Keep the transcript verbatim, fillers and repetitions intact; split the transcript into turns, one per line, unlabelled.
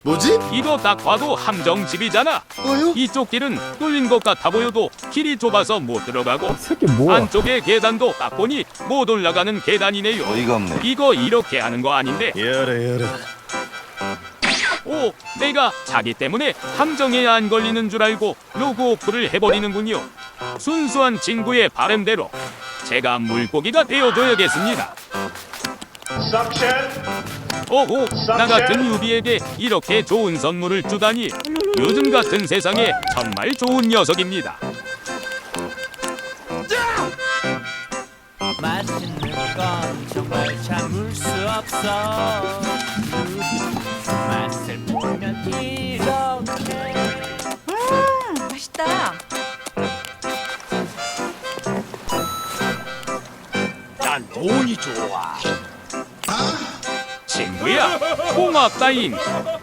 뭐지?
이거 딱 봐도 함정집이잖아.
뭐요?
이쪽 길은 뚫린 것 같아 보여도 길이 좁아서 못 들어가고
새끼 뭐야?
안쪽에 계단도 딱 보니 못 올라가는 계단이네요.
어이가 없네.
이거 이렇게 하는 거 아닌데.
열어 열어.
오, 내가 자기 때문에 함정에 안 걸리는 줄 알고 로그 오프를 해버리는군요. 순수한 친구의 바람대로 제가 물고기가 되어줘야겠습니다. 오호, 나 같은 유비에게 이렇게 좋은 선물을 주다니 요즘 같은 세상에 정말 좋은 녀석입니다.
맛있는 건 정말 참을 수 없어. 그 맛을 보면 이렇게.
음, 맛있다.
난 돈이 좋아. 친구야, 고맙다잉.